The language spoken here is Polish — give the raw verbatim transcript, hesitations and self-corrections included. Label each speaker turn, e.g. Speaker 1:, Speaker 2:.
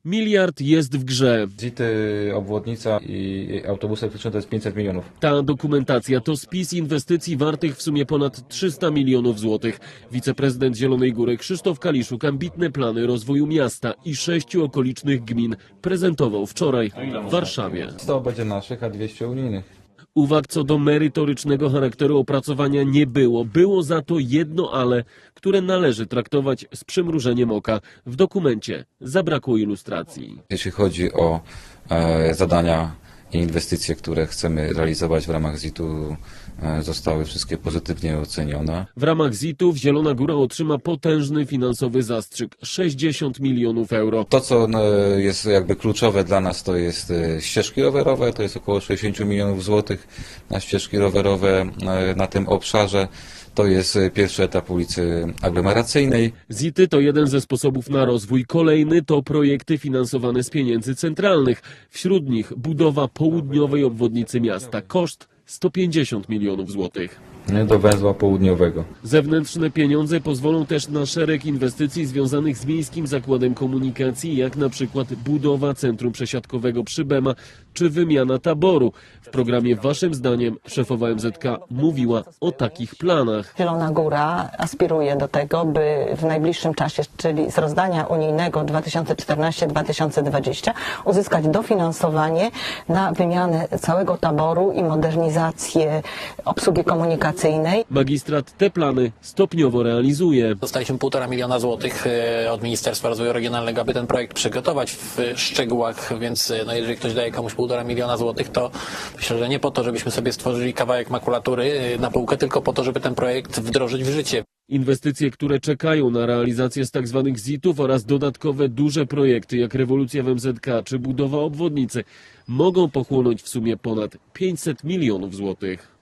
Speaker 1: Miliard jest w grze.
Speaker 2: zity, obwodnica i autobusy elektryczne to jest pięćset milionów.
Speaker 1: Ta dokumentacja to spis inwestycji wartych w sumie ponad trzysta milionów złotych. Wiceprezydent Zielonej Góry Krzysztof Kaliszuk ambitne plany rozwoju miasta i sześciu okolicznych gmin prezentował wczoraj w Warszawie.
Speaker 2: sto będzie naszych, a dwieście unijnych.
Speaker 1: Uwag co do merytorycznego charakteru opracowania nie było. Było za to jedno ale, które należy traktować z przymrużeniem oka. W dokumencie zabrakło ilustracji.
Speaker 2: Jeśli chodzi o e, zadania i inwestycje, które chcemy realizować w ramach zitu, e, zostały wszystkie pozytywnie ocenione.
Speaker 1: W ramach zitów Zielona Góra otrzyma potężny finansowy zastrzyk – sześćdziesiąt milionów euro.
Speaker 2: To, co e, jest jakby kluczowe dla nas, to jest e, ścieżki rowerowe, to jest około sześćdziesiąt milionów złotych na ścieżki rowerowe e, na tym obszarze. To jest e, pierwszy etap ulicy aglomeracyjnej.
Speaker 1: zity to jeden ze sposobów na rozwój. Kolejny to projekty finansowane z pieniędzy centralnych. Wśród nich budowa południowej obwodnicy miasta. Koszt sto pięćdziesiąt milionów złotych.
Speaker 2: Nie, do węzła południowego.
Speaker 1: Zewnętrzne pieniądze pozwolą też na szereg inwestycji związanych z Miejskim Zakładem Komunikacji, jak na przykład budowa centrum przesiadkowego przy Bema czy wymiana taboru. W programie waszym zdaniem szefowa M Z K mówiła o takich planach.
Speaker 3: Zielona Góra aspiruje do tego, by w najbliższym czasie, czyli z rozdania unijnego dwa tysiące czternasty do dwa tysiące dwudziestego, uzyskać dofinansowanie na wymianę całego taboru i modernizację obsługi komunikacyjnej.
Speaker 1: Magistrat te plany stopniowo realizuje.
Speaker 4: Dostaliśmy półtora miliona złotych od Ministerstwa Rozwoju Regionalnego, aby ten projekt przygotować w szczegółach, więc no, jeżeli ktoś daje komuś półtora miliona złotych, to myślę, że nie po to, żebyśmy sobie stworzyli kawałek makulatury na półkę, tylko po to, żeby ten projekt wdrożyć w życie.
Speaker 1: Inwestycje, które czekają na realizację z tzw. zitów oraz dodatkowe duże projekty jak rewolucja w M Z K czy budowa obwodnicy mogą pochłonąć w sumie ponad pięćset milionów złotych.